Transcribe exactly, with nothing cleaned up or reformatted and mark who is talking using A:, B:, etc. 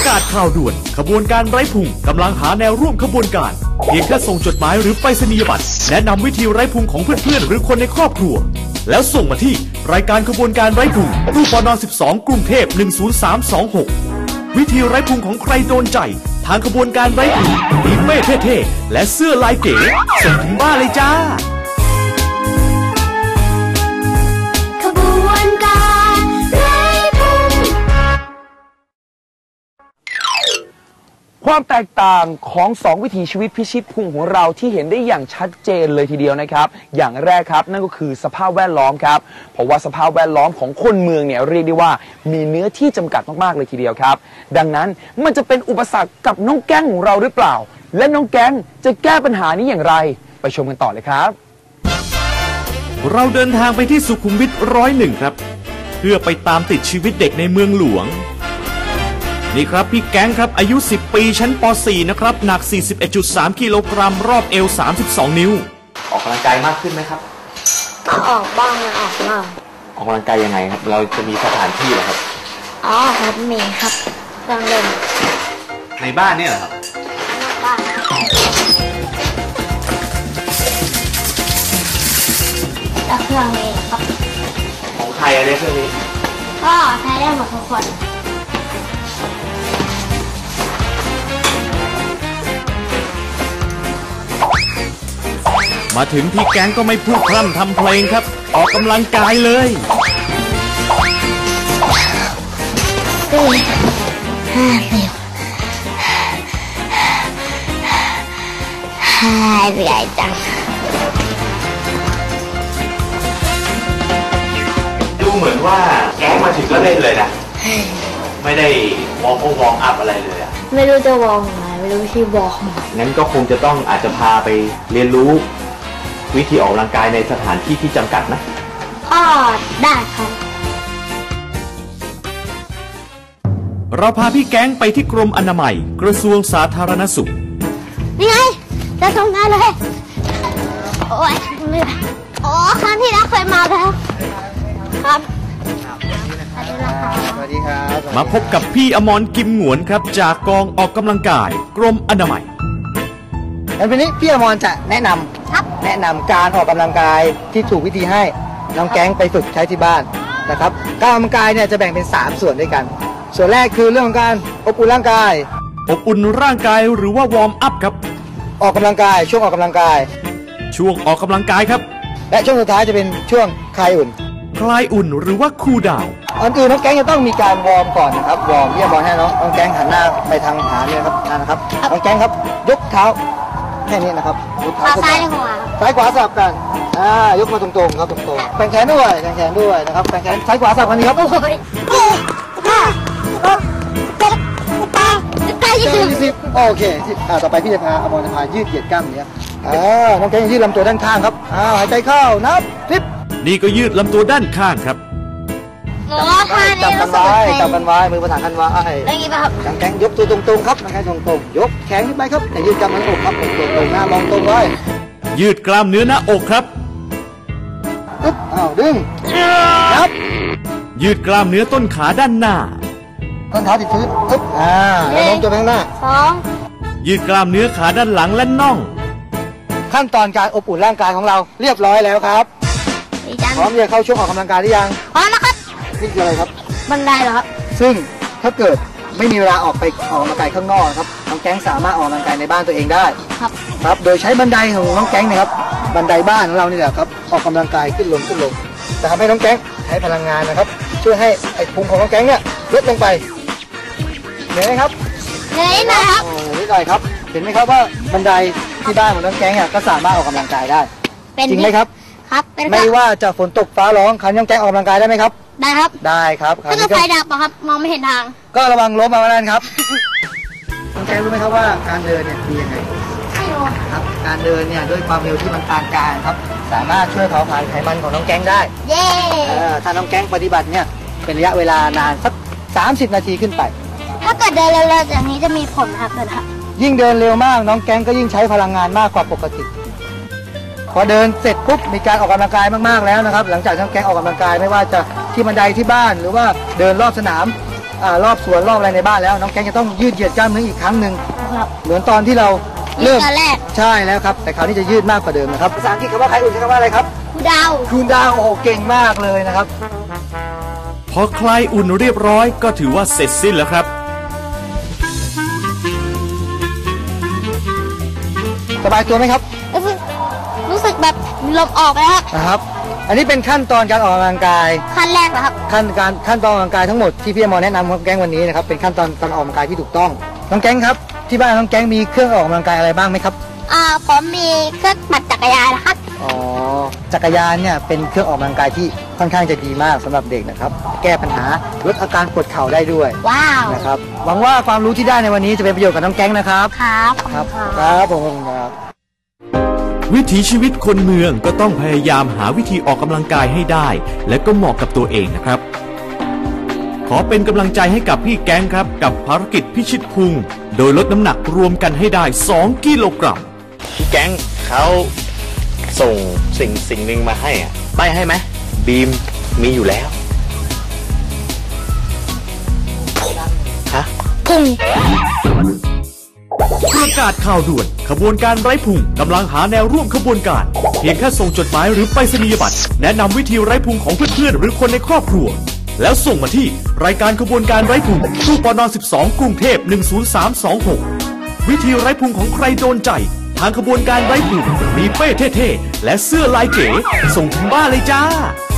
A: กาศข่าวด่วนขบวนการไร้พุงกำลังหาแนวร่วมขบวนการเพียงแค่ส่งจดหมายหรือไปรษณียบัตรแนะนำวิธีไร้พุงของเพื่อนๆหรือคนในครอบครัวแล้วส่งมาที่รายการขบวนการไร้พุงตู้ปนสิบสองกรุงเทพหนึ่งศูนย์สามสองหกวิธีไร้พุงของใครโดนใจทางขบวนการไร้พุงมีเป้เท่ๆและเสื้อลายเก๋ส่งถึงบ้านเลยจ้า
B: ขบวนการไร้พุง
C: ความแตกต่างของสองวิถีชีวิตพิชิตพุงของเราที่เห็นได้อย่างชัดเจนเลยทีเดียวนะครับอย่างแรกครับนั่นก็คือสภาพแวดล้อมครับเพราะว่าสภาพแวดล้อมของคนเมืองเนี่ยเรียกได้ว่ามีเนื้อที่จำกัดมากๆเลยทีเดียวครับดังนั้นมันจะเป็นอุปสรรคกับน้องแก๊งของเราหรือเปล่าและน้องแก๊งจะแก้ปัญหานี้อย่างไรไปชมกันต่อเลยครับ
A: เราเดินทางไปที่สุขุมวิทร้อยหนึ่งครับเพื่อไปตามติดชีวิตเด็กในเมืองหลวงนี่ครับพี่แก๊งครับอายุสิบปีชั้นป .สี่ นะครับหนัก สี่สิบเอ็ดจุดสาม กิโลกรัมรอบเอวสามสิบสองนิ้ว
D: ออกกำลังกายมากขึ้นไหมครับ
E: ก็ออกบ้างไม่ออกบ้าง
D: ออกกำลังกายยังไงครับเราจะมีสถานที่เหรอครับ
E: อ๋อครับมีครับเครื่องเล่น
D: ในบ้านเนี่ยเหรอครับ
E: นอกบ้านแล้วเครื่องนี้ครับ
D: ของใครอะไรเครื่องนี้
E: ก็ใช้ได้หมดทุกคน
A: มาถึงพี่แก๊งก็ไม่พูดพร่ำทำเพลงครับออกกำลังกายเลย
E: สี่ห้าสิบห้าใหญ่จัง
D: ดูเหมือนว่าแก๊งมาถึงก็เล่นเลยนะไม่ได้วอร์มวอร์มอัพอะไรเลยอะ
E: ไม่รู้จะวอร์มไหนไม่รู้ที่วอร์ม
D: งั้นก็คงจะต้องอาจจะพาไปเรียนรู้วิธีออกกำลังกายในสถานที่ที่จำกัดนะ
E: อ๋อได้ครับ
A: เราพาพี่แก๊งไปที่กรมอนามัยกระทรวงสาธารณสุข
E: นี่ไงจะทำงานเลยโอ้ยไม่ได้อ๋อครั้งที่แล้วเคยมาแล้วครับ
C: สวัสดีครับ
A: มาพบกับพี่อมรกิมหงวนครับจากกองออกกำลังกายกรมอนามัย
C: วันนี้พี่อมรจะแนะนำแนะนำการออกกำลังกายที่ถูกวิธีให้น้องแก๊งไปฝึกใช้ที่บ้านนะครับการออกกำลังกายเนี่ยจะแบ่งเป็นสามส่วนด้วยกันส่วนแรกคือเรื่องของการอบอุ่นร่างกาย
A: อบอุ่นร่างกายหรือว่าวอร์มอัพครับ
C: ออกกำลังกายช่วงออกกำลังกาย
A: ช่วงออกกำลังกายครับ
C: และช่วงสุดท้ายจะเป็นช่วงคลายอุ่น
A: คลายอุ่นหรือว่าคูลดาวน์
C: ก่อนอื่นน้องแก๊งจะต้องมีการวอร์มก่อนนะครับวอร์มพี่อมรให้น้องน้องแก๊งหันหน้าไปทางหาเนี่ยครับนั่นนะครับน้องแก๊งครับยกเท้าแค่นี้นะครับยกเท้า
E: ซ้ายขวา
C: ซ้ายขวาสลับกันอ่ายกมาตรงๆครับตรงๆแขนแขนด้วยแขนแขนด้วยนะครับแขนแขนซ้ายขวาสลับกันนี้ครับโอ้โหห้าหกเจ็ดแปดเก้ายี่สิบโอเคอ่าต่อไปพี่จะพาอมรจะพายืดเหยียดกล้ามเนื้ออ่าน้องแก๊งยืดลำตัวด้านข้างครับอ่าหายใจเข้านับสิบ
A: นี่ก็ยืดลำตัวด้านข้างครับ
C: จับกันไว้จับกันไว้มือประสานกันไว้
E: ได้กี่ครับ
C: แข็งยกตัวตรงๆครับแข็งตรงๆยกแขนขึ้นไปครับแต่ยืดกล้ามเนื้ออกครับตรงๆหน้ามองตรงไว้
A: ยืดกล้ามเนื้อหน้าอกครับ
C: ปึ๊บอ้าวดึงนับ
A: ยืดกล้ามเนื้อต้นขาด้านหน้า
C: ต้นเท้าติดพื้นปึ๊บอ่าแล้วล้มตัวไปข้างหน้า
E: สอง
A: ยืดกล้ามเนื้อขาด้านหลังและน่อง
C: ขั้นตอนการอบอุ่นร่างกายของเราเรียบร้อยแล้วครับพร้อมจะเข้าช่วงออกกำลังกายหรือยัง
E: พร้อมแล้วครับ
C: นี่คืออะไรครับ
E: บันไดเหรอครับ
C: ซึ่งถ้าเกิดไม่มีเวลาออกไปออกกำลังกายข้างนอกครับน้องแก๊งสามารถออกกำลังกายในบ้านตัวเองได้
E: ครับ
C: ครับโดยใช้บันไดของน้องแก๊งนะครับบันไดบ้านของเรานี่แหละครับออกกำลังกายขึ้นลงขึ้นลงจะทำให้น้องแก๊งใช้พลังงานนะครับช่วยให้ไอ้พุงของน้องแก๊งเนี่ยลดลงไปเห็นไหมครับ
E: เห็นไหมครับ
C: นิดหน่อยครับเห็นไหมครับว่าบันไดที่บ้านของน้องแก๊งเนี่ยก็สามารถออกกำลังกายได้จริงไหมครับ
E: ครับ
C: ไม่ว่าจะฝนตกฟ้าร้องคันน้องแก๊งออกกำลังกายได้ไหมครับ
E: ได้ครับ
C: ได้ครับ
E: ถ้าเกิดไฟดับครับมองไม่เห็นทาง
C: ก็ระวังล้มเอาไว้นั่นครับน้องแก๊งรู้ไหมครับว่าการเดินเนี่ยดียังไง
E: ไม่รู้
C: ครับการเดินเนี่ยด้วยความเร็วที่มันปานกลางครับสามารถช่วยเผาผลาญไขมันของน้องแก๊งได้
E: เย้
C: ถ้าน้องแก๊งปฏิบัติเนี่ยเป็นระยะเวลานานสักสามสิบนาทีขึ้นไป
E: ถ้าเกิดเดินเร็วๆอย่างนี้จะมีผลครับเดินครับ
C: ยิ่งเดินเร็วมากน้องแก๊งก็ยิ่งใช้พลังงานมากกว่าปกติพอเดินเสร็จปุ๊บมีการออกกำลังกายมากๆแล้วนะครับหลังจากน้องแก๊งออกกำลังกายไม่ว่าจะที่บันไดที่บ้านหรือว่าเดินรอบสนาม
F: อ่ารอบสวนรอบอะไรในบ้านแล้วน้องแก๊งจะต้องยืดเหยียดกล้ามเนื้ออีกครั้งหนึ่ง
E: ครับ
F: เหมือนตอนที่เราเริ่ม
E: ตอนแรก
F: ใช่แล้วครับแต่คราวนี้จะยืดมากกว่าเดิมนะครับภาษาอังกฤษคำว่าใครอุ่นใช้คำว่าอะไรครับ
E: ครูดาว
F: คุณดาวโอ้โหเก่งมากเลยนะครับ
A: พอใครอุ่นเรียบร้อยก็ถือว่าเสร็จสิ้นแล้วครับ
F: สบายตัวไหมครับ
E: รู้สึกรู้สึกแบบลมออกแล้วครับ
F: นะครับ อันนี้เป็นขั้นตอนการออกกำลังกาย
E: ขั้นแรกนะครับ
F: ขั้นการขั้นตอนออกกำลังกายทั้งหมดที่พี่อมรแนะนำของแก๊งวันนี้นะครับเป็นขั้นตอนการออกกำลังกายที่ถูกต้องน้องแก๊งครับที่บ้านน้องแก๊งมีเครื่องออกกำลังกายอะไรบ้างไหมครับ
E: อ่าผมมีเครื่องปั่นจักรยานนะครับ
F: อ๋อจักรยานเนี่ยเป็นเครื่องออกกำลังกายที่ค่อนข้างจะดีมากสำหรับเด็กนะครับแก้ปัญหาลดอาการปวดเข่าได้ด้วย
E: ว้าว
F: นะครับหวังว่าความรู้ที่ได้ในวันนี้จะเป็นประโยชน์กับน้องแก๊งนะครับ
E: ครับขอบ
F: ค
E: คุ
F: รับ
E: ณครับ
F: ครับผมครับ
A: วิถีชีวิตคนเมืองก็ต้องพยายามหาวิธีออกกำลังกายให้ได้ และก็เหมาะกับตัวเองนะครับ ขอเป็นกำลังใจให้กับพี่แก๊งครับกับภารกิจพิชิตพุงโดยลดน้ำหนักรวมกันให้ได้สองกิโลกรัม
D: พี่แก๊งเขาส่งสิ่งสิ่งหนึ่งมาให้อะใบให้ไหมบีมมีอยู่แล้วฮะ
E: พุง
A: ประกาศข่าวด่วนขบวนการไร้พุงกำลังหาแนวร่วมขบวนการเพียงแค่ส่งจดหมายหรือไปรษณียบัตรแนะนำวิธีไร้พุงของเพื่อนๆหรือคนในครอบครัวแล้วส่งมาที่รายการขบวนการไร้พุงตู้ปนสิบสองกรุงเทพหนึ่งศูนย์สามสองหกวิธีไร้พุงของใครโดนใจทางขบวนการไร้พุงมีเป้เท่ๆและเสื้อลายเก๋ส่งถึงบ้านเลยจ้า